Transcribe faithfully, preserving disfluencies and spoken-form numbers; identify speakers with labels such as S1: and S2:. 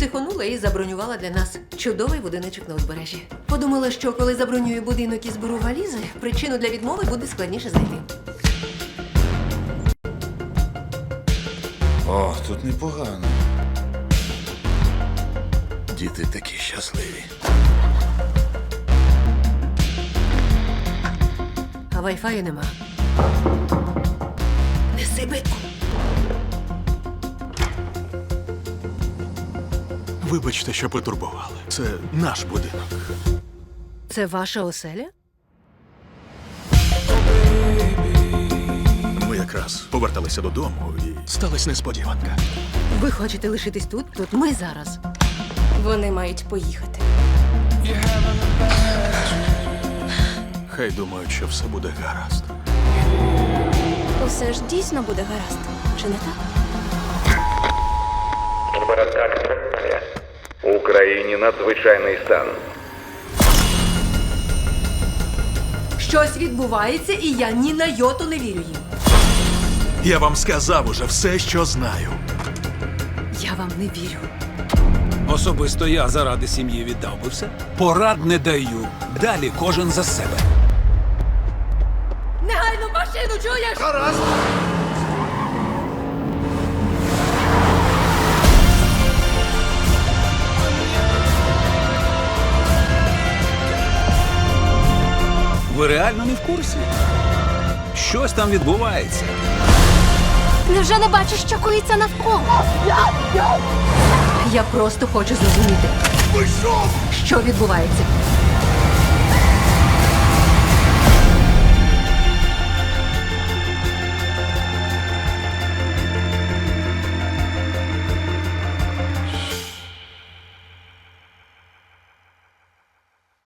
S1: Психонула і забронювала для нас чудовий будиночок на узбережжі. Подумала, що коли забронюю будинок і зберу валізи, причину для відмови буде складніше знайти.
S2: О, тут непогано. Діти такі щасливі.
S1: А вайфаю нема. Неси битку.
S3: Вибачте, що потурбували. Це наш будинок.
S1: Це ваша оселя?
S3: Ми якраз поверталися додому і сталася несподіванка.
S1: Ви хочете лишитись тут? Тут ми зараз.
S4: Вони мають поїхати.
S3: Хай думають, що все буде гаразд.
S4: Усе ж дійсно буде гаразд. Чи не так?
S5: Городська канцелярія. В Україні надзвичайний стан.
S1: Щось відбувається, і я ні на йоту не вірю їм.
S3: Я вам сказав уже все, що знаю.
S1: Я вам не вірю.
S6: Особисто я заради сім'ї віддав би все. Порад не даю. Далі кожен за себе.
S1: Негайно машину, чуєш?
S3: Гаразд!
S6: Ви реально не в курсі? Щось там відбувається.
S4: Невже не бачиш, що коїться навколо?
S1: Я просто хочу зрозуміти, що відбувається.